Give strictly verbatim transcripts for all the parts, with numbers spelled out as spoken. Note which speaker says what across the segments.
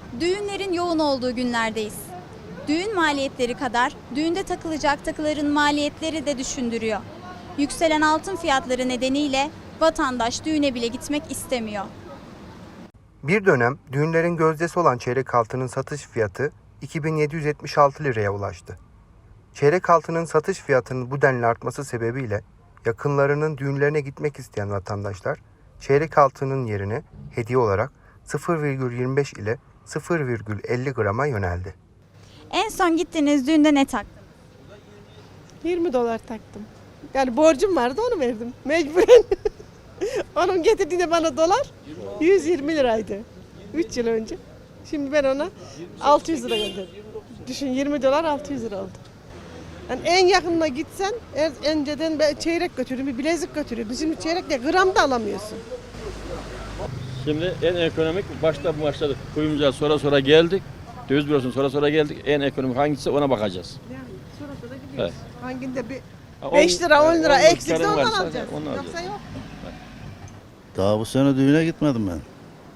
Speaker 1: Düğünlerin yoğun olduğu günlerdeyiz. Düğün maliyetleri kadar düğünde takılacak takıların maliyetleri de düşündürüyor. Yükselen altın fiyatları nedeniyle vatandaş düğüne bile gitmek istemiyor.
Speaker 2: Bir dönem düğünlerin gözdesi olan çeyrek altının satış fiyatı iki bin yedi yüz yetmiş altı liraya ulaştı. Çeyrek altının satış fiyatının bu denli artması sebebiyle yakınlarının düğünlerine gitmek isteyen vatandaşlar çeyrek altının yerine hediye olarak sıfır virgül yirmi beş ile sıfır virgül elli grama yöneldi.
Speaker 1: En son gittiğiniz düğünde ne taktınız?
Speaker 3: yirmi dolar taktım. Yani borcum vardı onu verdim. Mecburen. Onun getirdiğinde bana dolar yüz yirmi liraydı. üç yıl önce. Şimdi ben ona altı yüz lira gönderdim. Düşün yirmi dolar altı yüz lira oldu. Yani en yakınına gitsen en önceden ben çeyrek götürüyorum, bir bilezik götürüyorum. Şimdi çeyrek de gram da alamıyorsun.
Speaker 4: Şimdi en ekonomik başta başladık. Kuyumcuya sonra sonra geldik. Döviz bürosuna sonra sonra geldik. En ekonomik hangisi ona bakacağız.
Speaker 3: Yani sonra sonra gidiyoruz.
Speaker 4: Evet.
Speaker 3: Hanginde bir
Speaker 4: Ha,
Speaker 3: beş lira on lira
Speaker 4: on
Speaker 3: eksikse
Speaker 4: miktarın
Speaker 3: ondan
Speaker 4: varsa
Speaker 3: alacağız.
Speaker 4: onu alacağız.
Speaker 3: Yoksa yok.
Speaker 5: Daha bu sene düğüne gitmedim ben.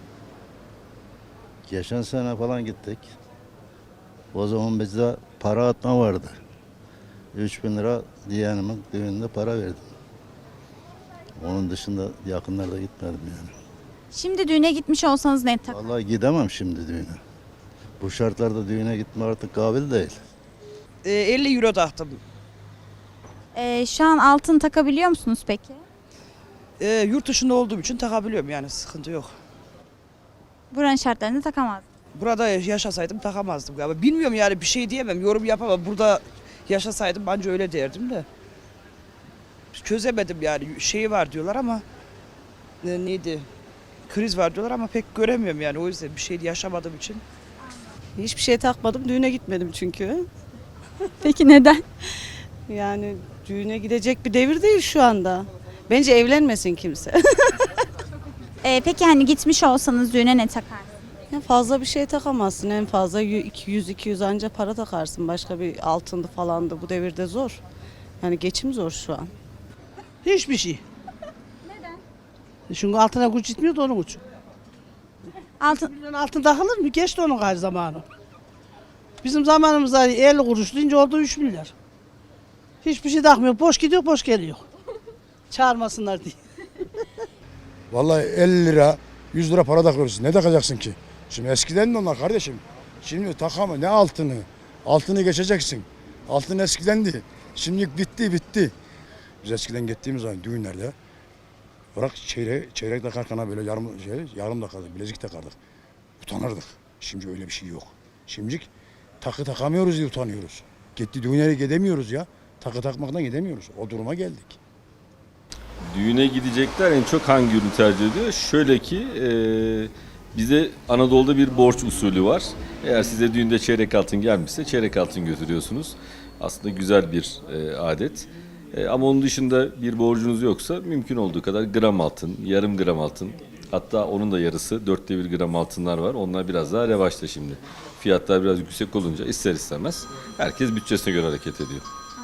Speaker 5: Geçen sene falan gittik. O zaman bizde para atma vardı. üç bin lira yeğenimin düğününde para verdim. Onun dışında yakınlarda gitmedim yani.
Speaker 1: Şimdi düğüne gitmiş olsanız ne tak?
Speaker 5: Vallahi gidemem şimdi düğüne. Bu şartlarda düğüne gitme artık kabil değil.
Speaker 6: E, elli euro taktım.
Speaker 1: Ee, şu an altın takabiliyor musunuz peki?
Speaker 6: E, yurt dışında olduğum için takabiliyorum yani sıkıntı yok.
Speaker 1: Buranın şartlarında takamaz.
Speaker 6: Burada yaşasaydım takamazdım galiba. Bilmiyorum yani bir şey diyemem, yorum yapamam. Burada yaşasaydım bence öyle derdim de. Çözemedim yani şey var diyorlar ama e, neydi? Kriz var diyorlar ama pek göremiyorum yani o yüzden bir şey yaşamadığım için.
Speaker 7: Hiçbir şey takmadım. Düğüne gitmedim çünkü.
Speaker 1: Peki neden?
Speaker 7: Yani düğüne gidecek bir devir değil şu anda. Bence evlenmesin kimse.
Speaker 1: Ee, peki hani gitmiş olsanız düğüne ne takardınız?
Speaker 7: Ya fazla bir şey takamazsın. En fazla yüz iki yüz anca para takarsın. Başka bir altındı falandı. Bu devirde zor. Yani geçim zor şu an.
Speaker 8: Hiçbir şey. Neden? Çünkü altına güç gitmiyor da onun için.
Speaker 1: Altın
Speaker 8: Milyon altın takılır mı? Geçti onun her zamanı. Bizim zamanımızda elli kuruş deyince oldu üç milyar. Hiçbir şey takmıyor. Boş gidiyor, boş geliyor. Çağırmasınlar diye.
Speaker 9: Vallahi elli lira, yüz lira para takıyoruz. Ne takacaksın ki? Şimdi eskiden de onlar kardeşim. Şimdi takama ne altını? Altını geçeceksin. Altın eskidendi. Şimdi bitti bitti. Biz eskiden gittiğimiz zaman düğünlerde bırak çeyrek, çeyrek takarken böyle yarım, şey, yarım takardık, bilezik takardık. Utanırdık. Şimdi öyle bir şey yok. Şimdi takı takamıyoruz diye utanıyoruz. Gitti düğünlere gidemiyoruz ya. Takı takmaktan gidemiyoruz. O duruma geldik.
Speaker 4: Düğüne gidecekler en çok hangi ürünü tercih ediyor? Şöyle ki e, bize Anadolu'da bir borç usulü var. Eğer size düğünde çeyrek altın gelmişse çeyrek altın götürüyorsunuz. Aslında güzel bir e, adet. E, ama onun dışında bir borcunuz yoksa mümkün olduğu kadar gram altın, yarım gram altın, hatta onun da yarısı dörtte bir gram altınlar var. Onlar biraz daha revaçta şimdi. Fiyatlar biraz yüksek olunca ister istemez herkes bütçesine göre hareket ediyor.